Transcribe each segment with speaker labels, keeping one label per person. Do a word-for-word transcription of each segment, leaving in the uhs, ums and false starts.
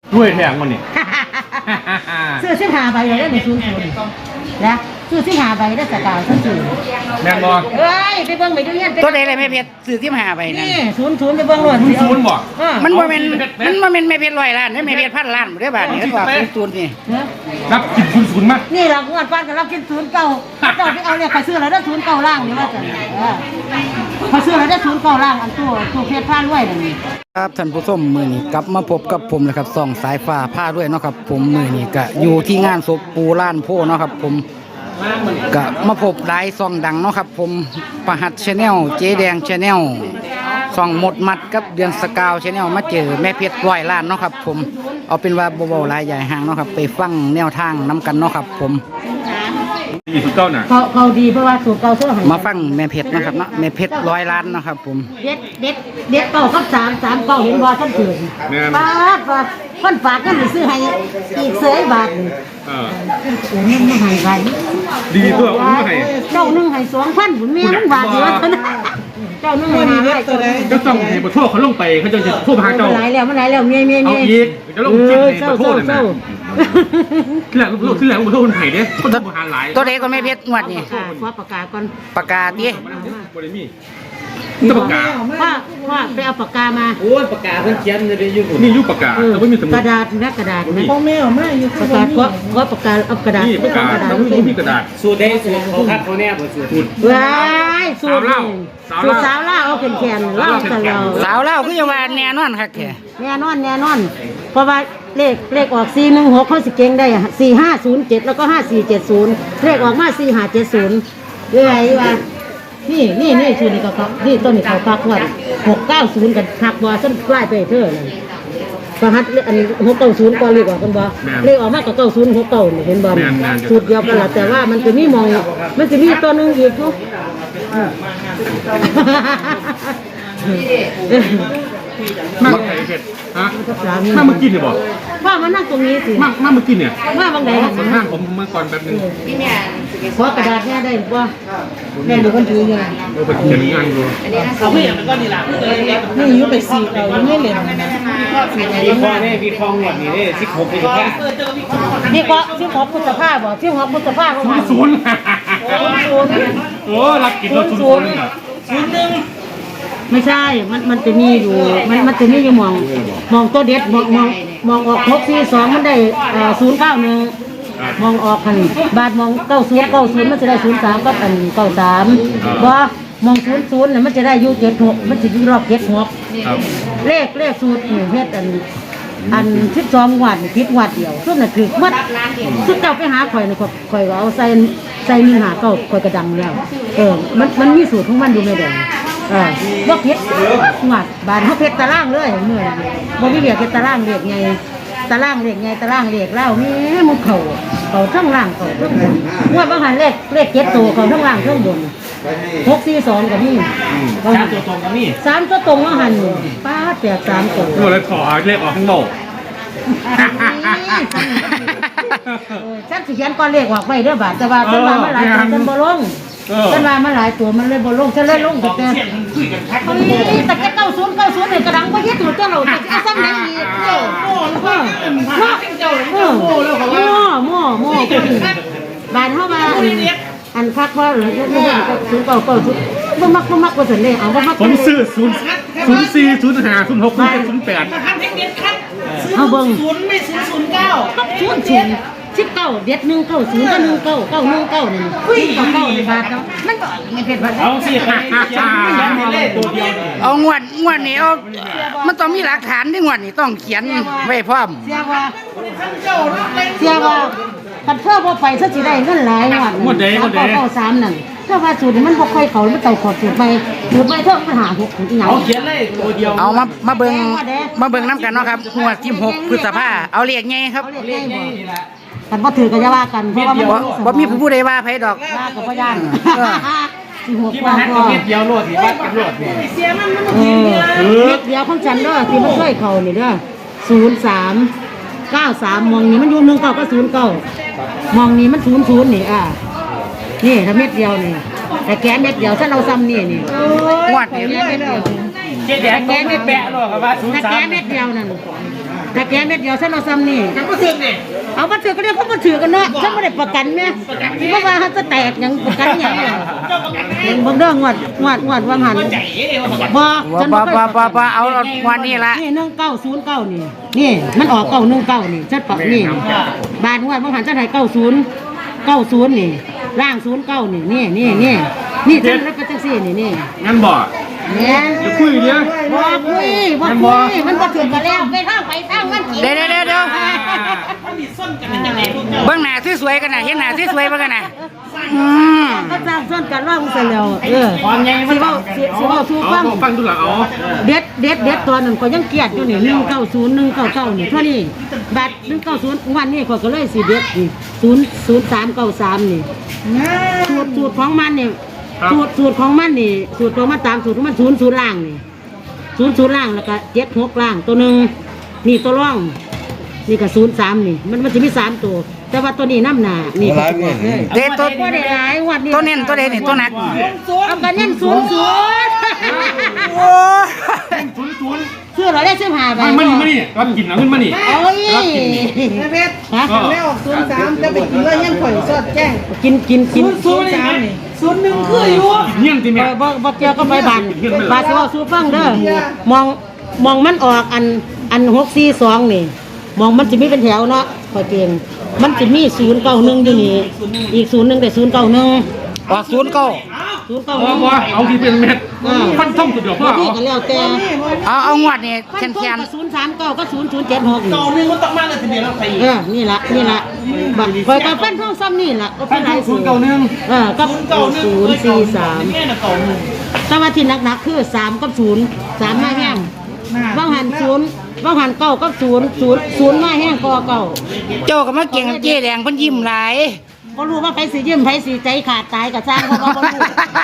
Speaker 1: ด้วยแทงมันนี่
Speaker 2: ซื้อสิบห้าใบเลยได้ในศูนย์ศูนย์แล้วซื้อสิบห้าใบได้สกาวทั้งศูนย์
Speaker 1: แม่นบ่
Speaker 2: เอ้ยไปเบิ่งไปดูเงี้ย
Speaker 3: ตัวใดเลยแม่เพชรซื้อสิบห้าใบนั่น
Speaker 2: นี่ศูนย์ศูนย์ไปเบิ่งรถ
Speaker 1: ศูนย์ศูนย์บ่
Speaker 3: มันบ่แม่นมันบ่แม่นแม่เพชรร้อยล้านนี่แม่เพชรพันล้านบ่ได้บาทนี่ก็ว่าศูนย์นี่
Speaker 1: รับกินศูนย์ศูนย์มั้ย
Speaker 2: นี่ล่ะงวดฟันก็รับกินศูนย์เก้าเจ้าไปเอาเนี่ยเขาซื้อแล้วได้ศูนย์เก้าล่างนี่ว่าจังเออเขาซื้อแล้วได้ศูนย์เก้าล่างอันตัวตัวเพชรพานรวยนี่
Speaker 3: ครับท่านผู้ชมมื้อนี้กลับมาพบกับผมนะครับส่องสายฟ้าผ้าด้วยเนาะครับผมมื้อนี้ก็อยู่ที่งานศพปูล้านโพเนาะครับผมก็มาพบหลายซองดังเนาะครับผมประหัตชาแนลเจ๊แดงชาแนลซองหมดมัดกับเดือนสกาวชาแนลมาเจอแม่เพชรร้อยล้านเนาะครับผมเอาเป็นว่าเบาๆหลายใหญ่ห่างเนาะครับไปฟังแนวทางน้ำกันเนาะครับผม
Speaker 1: ดีสุดเก้าน่ะ
Speaker 2: เขาเขาดีเพราะว่าสูตรเก่าเสื้อ
Speaker 3: มาฟังแม่เพชรนะครับเนาะแม่เพชรร้อยล้านเนาะครับผม
Speaker 2: เด็ดเด็ดเด็ดเก่ากับสามสามเก่าเห็นบ่ท่านเกิดป้าดว่าคนฝากก็มีซื้อให้อีกเสยบาท
Speaker 1: เออ
Speaker 2: โอ้ยไม่ให้ไป
Speaker 1: ดีตัวอุ้มให้
Speaker 2: เจ้านึงให้สองพันผมเมียมึงบาทเดียวเท่านั้นเจ้านึงให้ห้าร้อย
Speaker 1: ก็ต้องให้บ่โทษเขาลงไปเขาจะโทษหาเจ้า
Speaker 2: มันหลายแล้วมันหลายแล้วเมียเมียเมีย
Speaker 1: เอาอีกจะลงจิตให้บ่โทษนั่นน่ะคือแหละลูกคือแหละบ่โทษคนไห้เด้คนบ่หาหลาย
Speaker 3: ตัวใดก็แม่เพชรงวดนี้
Speaker 2: ขอประกาศก่อน
Speaker 3: ประกาศดิ
Speaker 1: บ่ได้มีต้องประกาศ
Speaker 2: ว่าว่าไปเอาปากกามา
Speaker 4: โอ้ยปากกาเพิ่นเขียนเลยอยู่
Speaker 1: นี่อยู่ปากกาแต่บ่มีสมุด
Speaker 2: กระดาษนะกระดาษนะ
Speaker 4: พ่อแม่เอามาอยู่
Speaker 2: ประกาศก็ก็ประกาศเอากระดาษ
Speaker 1: นี่ปากกาต้องมีกระดาษ
Speaker 4: สูตรใดสูตรเขาคัดเขาแน่บ่สูตร
Speaker 2: ว้ายสูตรสูตรสาวล่าเอาแขนๆเล่าตลอด
Speaker 3: สาวเล่าคือจะว่าแน่นอนครับแก
Speaker 2: แน่นอนแน่นอนเพราะว่าเลขเลขออกสี่หนึ่งหกเขาสิเก่งได้สี่ห้าศูนย์เจ็ดแล้วก็ห้าสี่เจ็ดศูนย์เลขออกมาสี่ห้าเจ็ดศูนย์เรื่อยว่านี่นี่นี่ชุดนี้ก็เขานี่ต้นนี้เขาพักวันหกเก้าศูนย์กันพักบอส้นใกล้ไปเท่านั้นประหัตอันหกเก้าศูนย์ก็เลขออกกันบ่เลขออกมาก็เก้าศูนย์หกเก้าเห็นบ่ชุดเดียวกันละแต่ว่ามันจะมีมองมันจะมีตัวนึงอีกทุก
Speaker 1: มาไข่เผ็ดฮะมาเมื่อกี้เนี่ยบอก
Speaker 2: ว่ามานั่งตรงนี้สิ
Speaker 1: มามาเมื่อกี้เนี่ย
Speaker 2: มาบางไหน
Speaker 1: มาห้างผมเมื่อก่อนแป๊บนึง
Speaker 2: ขอกระดาษแม่ได้ป่ะแม่ดูคนถือยัง
Speaker 1: เออเป็นเขียนงานอยู่
Speaker 4: เขาไม่อยากเป็นก้อนนี่ล่ะ
Speaker 2: นี่ยุบไปสี่เราไม่เหลี่ยม
Speaker 4: พี่คอเนี่ยพี่คองหมดนี่เนี่ยสิบหกพี่แค่
Speaker 2: นี่ก็ที่หกพุทธภาพบ่ที่หกพุทธภาพ
Speaker 1: ศูนย์ศูนย์โอ้รับกินรถศูนย์ศูนย์
Speaker 2: ศูนย์หนึ่งไม่ใช่ มันมันจะมีอยู่ มันมันจะมีอยู่มองมองตัวเด็ดมองมองมองออกหกสี่สองมันได้ศูนย์เก้าหนึ่งมองออกคันบาทมองเก้าศูนย์เก้าศูนย์มันจะได้ศูนย์สามก็เป็นเก้าสามบ่มองศูนย์ศูนย์เนี่ยมันจะได้ยูเจ็ดหกมันจะยูรอบเจ็ดหกเลขเลขสูตรเฮ็ดอันอันสิบสองวัดพิษวัดเดียวส่วนนั้นคือวัดสุดเจ้าไปหาข่อยนี่ข่อยเอาใส่ใส่หนึ่งหาเก้าข่อยกระดังแล้วเออมันมันมีสูตรของมันอยู่ในเดียวเออบ่เพชรหวัดบานเขาเพชรตะล่างเลยเมื่อบ่มีเรียกเพชรตะล่างเรียกไงตะล่างเรียกไงตะล่างเรียกเล่านี่มุกเข่าเข่าทั้งล่างเข่าทั้งบนว่าบางหันเลขเลขเจ็ดตัวเข่าทั้งล่างทั้งบนหกสี่สองกับนี่
Speaker 4: สามตัวตรงกับนี่
Speaker 2: สามตัวตรงว่าหันป้าแตกสามตัว
Speaker 1: โอ้เลยขอเลขออกข้างนอก
Speaker 2: ฉันสิเขียนก้อนเลขออกไปเด้อบาทแต่ว่าฉันว่ามันหลายตัวฉันบ่ลงฉันว่ามันหลายตัวมันเลยบ่ลงฉันเลยลงแต่แต่แต่แค่เก้าศูนย์เก้าศูนย์เนี่ยกระดังก็ยึดถูกเจ้าเราจะเอาซ้ำไหนอีกเออโม่แล้วก็โม่โม่โม่แล้วเขาว่าโม่โม่บานเข้ามาอันคักว่าหรือไม่ได้ศูนย์เก้าเก้าศูนย์บ่มักบ่มักว่าสันเลยเอาบ่มัก
Speaker 1: ผมซื้อศูนย์ศูนย์สี่ศูนย์ห้าศูนย์หกศูนย์เจ็ดศูนย์แปด
Speaker 2: เอาเบิ่งศูนย์ไม่ศูนย์ศูนย์เก้าศูนย์ศูนย์สิบเก้าเด็ดหนึ่งเก้าศูนย์ก็หนึ่งเก้าเก้าหนึ่งเก้านี่คุยกับเก้าในบาทเนาะมันก็ไม่เผ็ดบาท
Speaker 4: เอาสิค่ะยังไม่เล่ตัวเดียว
Speaker 3: เอางวดงวดนี้เอามันต้องมีหลักฐานที่งวดนี้ต้องเขียนไว้พร้อม
Speaker 2: เสียว่าเสียว่าคันเพื่อว่าไปซะสิได้เงินหลายงวด
Speaker 1: หมดเด้หมดเด้
Speaker 2: เก้าสามนั่นถ้าว่าสูตรมันบ่ค่อยเขามันต้องขอสูตรไปสูตรไปเท่าปัญหาหกอีหยัง
Speaker 4: เอาเขียนเลยตัวเดียว
Speaker 3: เอามามาเบิ่งมาเบิ่งน้ำกันเนาะครับงวดที่หกพฤษภาเอาเลขไงครับ
Speaker 4: เลขนี่แหละ
Speaker 2: กันบ่ถือกันจะว่ากันเพราะว่ามัน
Speaker 3: บ่มีผู้ใดว่าไผดอก
Speaker 2: ว่ากับพ่อย่าน
Speaker 4: ที่มาหักกับเม็ดเดียวโลดนี่วัดกันโลดนี่
Speaker 2: เสียมันมันบ่ถือเม็ดเดียวของฉันเด้อที่มันช่วยเขานี่เด้อศูนย์สามเก้าสามมองนี่มันอยู่หนึ่งเก้าก็ศูนย์เก้ามองนี่มันศูนย์ศูนย์นี่อ่ะนี่ถ้าเม็ดเดียวนี่แต่แกเม็ดเดียวฉันเอาซ้ำนี่นี่
Speaker 3: งวดนี้
Speaker 2: เม็ดเดียว
Speaker 4: เจ๊แดงแกไม่แปะหรอกว่าศูนย์สาม
Speaker 2: แต่แกเม็ดเดียวนั่นแต่แกเม็ดเดียวฉันเอาซ้ำนี่
Speaker 4: กันก็ถึงนี่
Speaker 2: เอามาถือก็เรียกเขามาถือกันเนาะฉันไม่ได้ประกันแม่เพราะว่าเขาจะแตกอย่างประกันอย่างเนี่ยบางเรื่องงวดงวดงวดวางหัน
Speaker 4: ใจเอ๋ว่า
Speaker 2: บ่
Speaker 3: บ่บ่บ่บ่บ่เอาวันนี้ละ
Speaker 2: นี่หนึ่งเก้าศูนย์เก้านี่นี่มันออกเก้าหนึ่งเก้านี่ฉันปรับนี่บาทงวดวางหันฉันให้เก้าศูนย์เก้าศูนย์นี่ร่างศูนย์เก้านี่นี่นี่นี่นี่ฉันรับไปจังซี่นี่นี่
Speaker 1: งั้นบ่
Speaker 2: เนี่ย
Speaker 1: จะคุยเดียว
Speaker 2: บ่คุยบ่คุยมันบ่ถึงกันแล้วไปทางไปทางมันกิน
Speaker 3: เดี๋ยวเดี๋ยวเดี๋ยวเดี๋ยว
Speaker 4: มันมีส้นกันเป็นยังไงลูกเจ้า
Speaker 3: เบื้องหน้าที่สวยกันนะเห็นหน้าที่สวยเบิ่งกันนะอืม
Speaker 2: ก็สร้างส่วนกันว่ามึงเสร็จแล้วเออสิเว้าสิสิเว้าสู่
Speaker 1: เอา
Speaker 2: ฟัง
Speaker 1: ฟังดูหลังเอา
Speaker 2: เด็ดเด็ดเด็ดตัวนั้นก็ยังเกลียดอยู่นี่หนึ่งเก้าศูนย์หนึ่งเก้าเก้านี่เท่านี้บัตรหนึ่งเก้าศูนย์วันนี้ก็เลยสิเด็ดนี่ศูนย์ศูนย์สามเก้าสามนี่สูตรสูตรของมันนี่สูตรสูตรของมันนี่สูตรของมันตามสูตรของมันศูนย์ศูนย์ล่างนี่ศูนย์ศูนย์ล่างแล้วก็เจ็ดหกล่างตัวหนึ่งนี่ตัวร่อง นี่ก็ศูนย์สามนี่มันมันจะมีสามตัว แต่ว่าตัวนี้น้ำหนานี่ก็ตัวเลย
Speaker 3: เด็ดตัว
Speaker 2: ก็ได้หลายวันนี้
Speaker 3: ตัวเน้นตัวเด่นนี่ตัวหนัก
Speaker 2: เอากันเน้นศูนย์ศูนย์
Speaker 3: โอ้
Speaker 1: ศูนย์ศูนย์
Speaker 2: เชื่อเราได้เชื่อหาไป
Speaker 1: มันมันนี่รับกินเอาขึ้นมานี่
Speaker 2: โอ้ย
Speaker 5: แม่เพชร
Speaker 2: ฮะ
Speaker 5: แล้วออกศูนย์สามจะไปกินแล้วยังข่อยสอดแจ้ง
Speaker 2: กินกินกิน
Speaker 5: ศูนย์สามนี่ศูนย์หนึ่งคืออยู่
Speaker 1: เงี้ยงติ
Speaker 2: เอ
Speaker 1: แม่
Speaker 2: อบ่บ่เกี่ยวกับใบบันบาสิว่าสู้ฟังเด้อมองมองมันออกอันอันหกสี่สองนี่ มองมันจะมีเป็นแถวเนาะพอเก่งมันจะมีศูนย์เก้าหนึ่งอยู่นี่อีกศูนย์หนึ่งแต่ศูนย์เก้าหนึ่ง
Speaker 3: ออกศูนย์เก้า
Speaker 2: ศูนย์เก้าห
Speaker 1: บ่
Speaker 2: นึ่ง
Speaker 1: บ่เอาที่เป็นเม็ดฟันท่องตัวเดียวพ่อ
Speaker 2: พี่
Speaker 1: เอา
Speaker 2: ก็แล้วแต่
Speaker 3: เอาเอางวดนี่
Speaker 2: ขั้
Speaker 3: แคน น
Speaker 2: ต้
Speaker 3: แคน
Speaker 2: นก็ศูนย์สามเก้าก็ศูนย์ศูนย์เจ็ดหกนี่
Speaker 4: ต่อหนึ่งมันต้องมากเลยทีเดียวเราไป
Speaker 2: เออนี่ละนี่ละบัตรคอยกับปั้นท่องซ้ำนี่ละก็
Speaker 1: ฟั
Speaker 2: เป็น นไร
Speaker 1: ท่องศู
Speaker 2: สู
Speaker 1: นย์เก้าหนึ่ง
Speaker 2: เออกับ
Speaker 4: ศูนย์เก้าหนึ่ง
Speaker 2: ศูนย์สี่สาม
Speaker 4: แม่น่ะเก่าหนึ่ง
Speaker 2: แต่ว่าที่หนักๆคือสามกับศูนย์สามมาแห้งว่างหันศูนย์ว่างหันเก้ากับศูนย์ศูนย์ศูนย์มาแห้งก็เก้า
Speaker 3: เจ้าก็มาเก่งกับเจ๊แดงเพิ่นยิ้มหลาย
Speaker 2: ก็รู้ว่าไปสียิ้มไปสีใจขาดตายกับสร้างเพราะว่าบ่รู้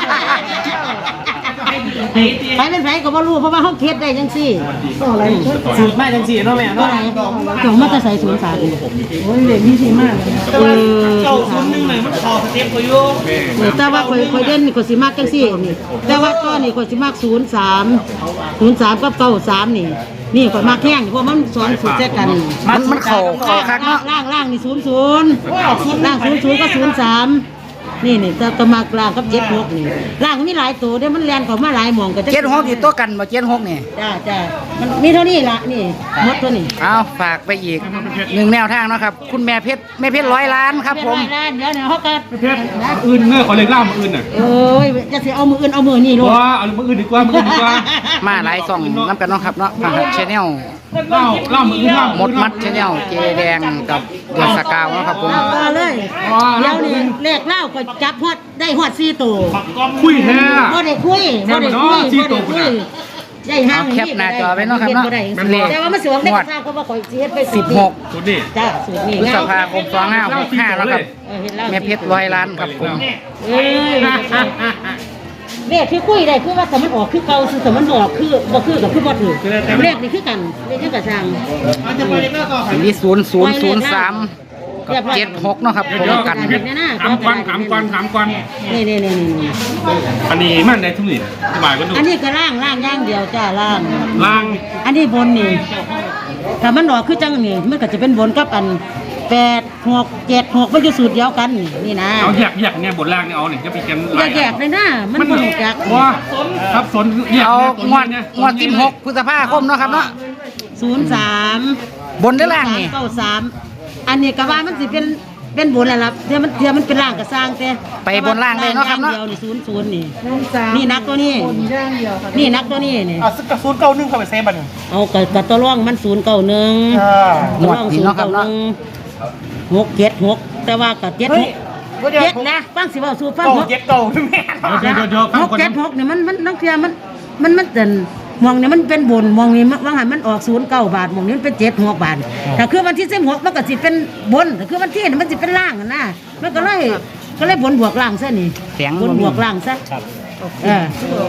Speaker 2: ไปเป็นไผก็บ่รู้เพราะว่าเขาเคล็ดได้จังซี่
Speaker 4: สูตรมาจังสี่เนาะแม่
Speaker 2: ก็
Speaker 4: เนาะ
Speaker 2: ไหนจงมาจะใส่ศูนย์สาม
Speaker 5: โอ้ยเด็กนี่ดีมาก
Speaker 4: แต่ว่าเก่าศูนย์หนึ่งเลยมันคอสเต็ปก็อยู่
Speaker 2: เออแต่ว่าคอยคอยเด่นนี่ก็สิมากจังซี่นี่แต่ว่าก็นี่ก็สิมากศูนย์สามศูนย์สามกับเก้าสามนี่นี่ก็มากแห้งเพราะมันสอนสูตรแจกัน
Speaker 3: มันมันเข่าเข่าคักเนาะ
Speaker 2: ล่างล่างนี่ศูนย์ศูนย์ล่างศูนย์ศูนย์ก็ศูนย์สามนี่นี่จะจะมากล่างกับเจ็ดหกนี่ล่างมีหลายตัวเด้มันเรียนเขามาหลายหม่องก็จะ
Speaker 3: เจ็ดหกอยู่ตัวกันบ่เจ็ดหกนี่
Speaker 2: จ้าจ้ามันมีเท่านี้ละนี่หมดตัวนี้
Speaker 3: เอาฝากไปอีกหนึ่งแนวทางเนาะครับ คุณแม่เพชรแม่เพชรร้อยล้านครับผม
Speaker 2: เดี๋ยวเดี๋ยวเดี๋ยวเขาก็
Speaker 1: เพชรอื่นเงื่อขอเล็กล่ามาอื่นน่ะ
Speaker 2: เอ้ยจะสิเอามืออื่นเอามือนี่ลูก
Speaker 1: ว่าเอามาอื่นดีกว่ามาอื่นดีกว่า
Speaker 3: มาหลายซองน้ำกันเนาะครับเนาะทางชแนล
Speaker 1: เล่าเล่ามาอื่นเล่า
Speaker 3: หมดมัดชแนลเจแดงกับเดือดสกาวเนาะครับผม
Speaker 2: เอาเลยเดี๋ยวนี่เลขเล่าก็จับฮอดได้ฮอดสี่ตัว
Speaker 1: คุยแท้
Speaker 2: บ่ได้คุยบ่ได้คุย
Speaker 1: สี่
Speaker 2: บ่
Speaker 1: ตั
Speaker 2: ได้
Speaker 1: ว
Speaker 2: คุยได้ห้าง
Speaker 3: เอาแคปหน้าจอไว้เนาะครับเนาะ
Speaker 2: แต่ว่ามันสวมได้กระทางเพราะว่าข่อยสิเฮ็ดไป
Speaker 3: สิบหก
Speaker 1: สุดนี่
Speaker 2: จ้าสูตรนี้
Speaker 3: พฤษ
Speaker 2: งาม
Speaker 3: ภาคมสองห้าหกห้าแล้วครับ
Speaker 2: เออเห็นแล้ว
Speaker 3: แม่เพชรร้อยล้านครับผม
Speaker 2: เอ้ยเลขที่คุยได้คือว่าแต่มันออกคือเก่าคือแต่มันออกคือบ่คือกับคือบ่ถูกเลขนี่คือกันเลขคือกระทาง
Speaker 4: มันจะไปเรื่อยๆก็
Speaker 3: อันนี้ศูนย์ศูนย์ศูนย์สามกับเจ็ดหกเนาะครับผมกัน
Speaker 1: เพชรถามกวนถามกวนถามกวน
Speaker 2: นี่นี่นี่นี่
Speaker 1: อันนี้มันในทุกนี่สบายก็ดู
Speaker 2: อันนี้ก็ล่างล่างอย่างเดียวจ้าล่าง
Speaker 1: ล่าง
Speaker 2: อันนี้บนนี่ถ้ามันออกคือจังนี่มันก็จะเป็นบนกับอันแปดหกเจ็ดหกมันจะสูตรเดียวกันนี่นี่นะ
Speaker 1: เอาแยกแยกเนี่ยบนล่างเนี่ยเอาเนี่ยจะไปกัน
Speaker 2: อย่าแยกเลยนะมันบ่รู้จัก
Speaker 1: ว่าครับสนแยก
Speaker 3: เอา
Speaker 1: ตัว
Speaker 3: งวด
Speaker 1: เนี่ย
Speaker 3: งวดที่หกพฤษภาคมเนาะครับเนาะ
Speaker 2: ศูนย์สาม
Speaker 3: บนหรือล่างนี่
Speaker 2: เก้าสามอันนี้ก็ว่ามันสิเป็นเป็นบนแล้วล่ะเดี๋ยวมันเดี๋ยวมันเป็นล่างก็สร้างแต่
Speaker 3: ไปบนล่างเลยเนาะครับเนาะ
Speaker 2: เดียวนี่ศูนย์ศูนย์นี่
Speaker 5: ศูนย์สาม
Speaker 2: นี่นักตัวนี้
Speaker 5: คนย่างเดียวค่ะ
Speaker 2: นี่นักตัวนี้นี่
Speaker 4: อ่ะสักศูนย์เก้าหนึ่งเข้าไปเซฟบัตร
Speaker 2: เอากับกับตัวร่องมันศูนย์เก้าหนึ่ง
Speaker 4: อ่า
Speaker 2: ตัวร่องศูนย์เก้าหนึ่งหกเจ็ดหกแต่ว่ากับเจ็ดหกเจ็ดนะฟังสิว่าสู้ฟัง
Speaker 4: เก่า
Speaker 2: หก
Speaker 4: เจ็ดเก่าแม่
Speaker 1: เดี๋ยวเดี๋ยวเดี๋ยวฟัง
Speaker 2: หก
Speaker 1: คน
Speaker 2: เจ็ดหกเนี่ยมันมันนักเทียมันมันมันเดินมองเนี่ยมันเป็นบนมองนี่ว่างหันมันออกศูนย์เก้าบาทมองนี้มันเป็นเจ็ดหกบาทแต่คือวันที่สิบหกมันก็สิเป็นบนแต่คือวันที่นี่มันสิเป็นล่างอะนะมันก็เลยก็เลยบนบวกล่างซะนี่
Speaker 3: เสียง
Speaker 2: บนบวกล่างซะเออบ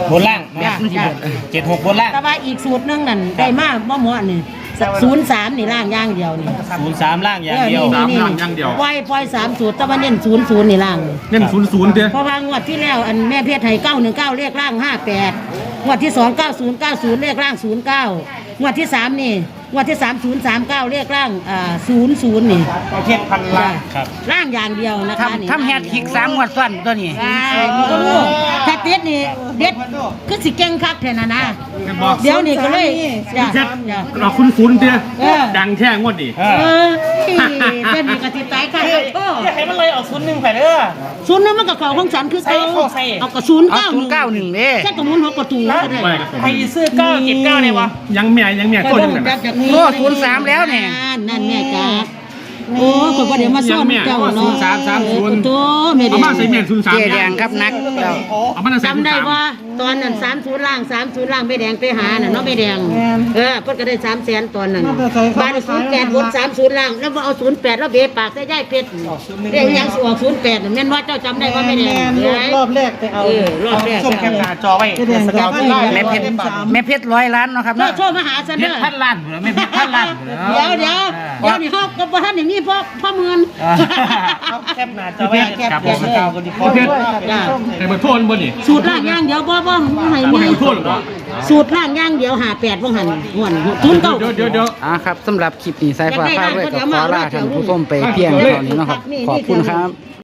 Speaker 4: นล่าง
Speaker 2: จ้ะจ้ะ
Speaker 4: เจ็ดหกบนล่าง
Speaker 2: แต่ว่าอีกสูตรหนึงนั่นได้มากบ่หมดนี่ศูนย์สามนี่ล่างอย่างเดียวนี่
Speaker 4: ศูนย์สามล่างอย่างเดียว
Speaker 1: สามล่างอย่างเดียว
Speaker 2: ปล่อยปล่อยสามสูตรแต่ว่าเน้นศูนย์ศูนย์นี่ล่าง
Speaker 1: เน้นศูนย์ศูนย์เด้อ
Speaker 2: เพราะว่างวดที่แล้วอันแม่เพชรไทยเก้าหนึ่งเก้าเลขล่างห้าแปดงวดที่สองเก้าศูนย์เก้าศูนย์เลขล่างศูนย์เก้างวดที่สามนี่งวดที่สามศูนย์สามเก้าเรียกร่างอ่าศูนย์ศูนย์นี่
Speaker 4: ประเทศพันล้านครับ
Speaker 2: ร่างอย่างเดียวนะคะนี่
Speaker 3: ทำทำแฮตทริกสามงวดซ้อนตัวนี้
Speaker 2: ใช่มันก็รู้ถ้าเด็ดนี่เด็ดคือสิเก่งคักแท้น่ะนะเดี๋ยวนี่ก็เลยจ้ะ
Speaker 1: แค่
Speaker 2: จ้ะ
Speaker 1: เราคุ้นคุ้นๆเตี้ย
Speaker 2: เออ
Speaker 1: ดังแท่งวดดิ
Speaker 2: เออเด็ดนี่ก็สิตายค่ะโอ้
Speaker 4: อย่าให้มันเลยออกศูนย์หนึ่งไปเด้อ
Speaker 2: ศูนย์นั้นมันก็เข้าของฉันคือเก่า
Speaker 4: ใส่เข้าใส่
Speaker 2: เอากระศูนย์
Speaker 3: เอา
Speaker 2: เก้า
Speaker 3: ศูนย์เก้าหนึ่งเด้
Speaker 2: แค่กระมุนหัวประตูก็ได้
Speaker 1: ไม่ครับผม
Speaker 4: ใครซื้อเก้าเก็บเก้าเนี่ยวะ
Speaker 1: ยังเมียยังเมียโทษยังไง
Speaker 3: โอ้ศูนย์สามแล้วเนี่ย
Speaker 2: นั่นแม่จ้าโอ้คนก็เดี๋ยวมาซ่อนเจ้าเนาะโตแม่เด็
Speaker 1: เอามาใส่เมียศูนย์สาม
Speaker 3: เจแดงครับนักแล้ว
Speaker 1: เอามาใส่ศูน
Speaker 2: จำ
Speaker 1: ย์
Speaker 2: ได้
Speaker 1: สาม
Speaker 2: ว่าตอนนั้นสามศูนย์ล่างสามศูนย์ล่างแม่แดงไปหาน่ะเนาะแม่แดงเออเพิ่นก็ได้สามแสนตอนนั้นบ้านศูนย์แปดวนสามศูนย์ล่างแล้วมาเอาศูนย์แปดแล้วเบะปากใส่ย่ายเพชรเรียกยังสิออกศูนย์แปดแม่นว่าเจ้าจำได้ว่าแม่แดง
Speaker 5: แม่นรอบแรกไปเอา
Speaker 2: เออรอบแรก
Speaker 4: ส่งแคปหน้าจอไว้
Speaker 5: แสดง
Speaker 4: สกาวที่ได้
Speaker 3: แม่เพชรแม่เพชรร้อยล้านเนาะครับ
Speaker 2: เจ้า
Speaker 3: เนาะ
Speaker 2: โชว์มาหาฉัน
Speaker 4: เพ
Speaker 2: เด้
Speaker 4: ชร
Speaker 2: อ
Speaker 4: พันล้านเหรอไม่เพชรพันล้านเหรอ
Speaker 2: เดี๋ยวเดี๋ยวเดี๋ยวนี่เฮากับบ่ทันอย่างนี้พ่อพ่อเมือง
Speaker 4: เอาแคปหน้าจอไว้กับสกาวคนที่พอ
Speaker 1: เพชร
Speaker 2: จ้า
Speaker 1: ไอ้เบอร์โทษบนดิ
Speaker 2: สูตรล่างย่างเดียวบ่บ่บ่ให้
Speaker 1: ไม่
Speaker 2: มี
Speaker 1: ให้เบอร์โทษหรอ
Speaker 2: สูตรล่างย่างเดียวหาแปดบ่หันม่วนศูนย์เก้า
Speaker 1: เดี๋ยวเดี๋ยวเดี๋ยว
Speaker 3: อ่าครับสำหรับคลิปนี้สายฟ้าพาด้วยกับขอลาท่านผู้ชมไปเพียงเท่านี้เนาะครับขอบคุณครับ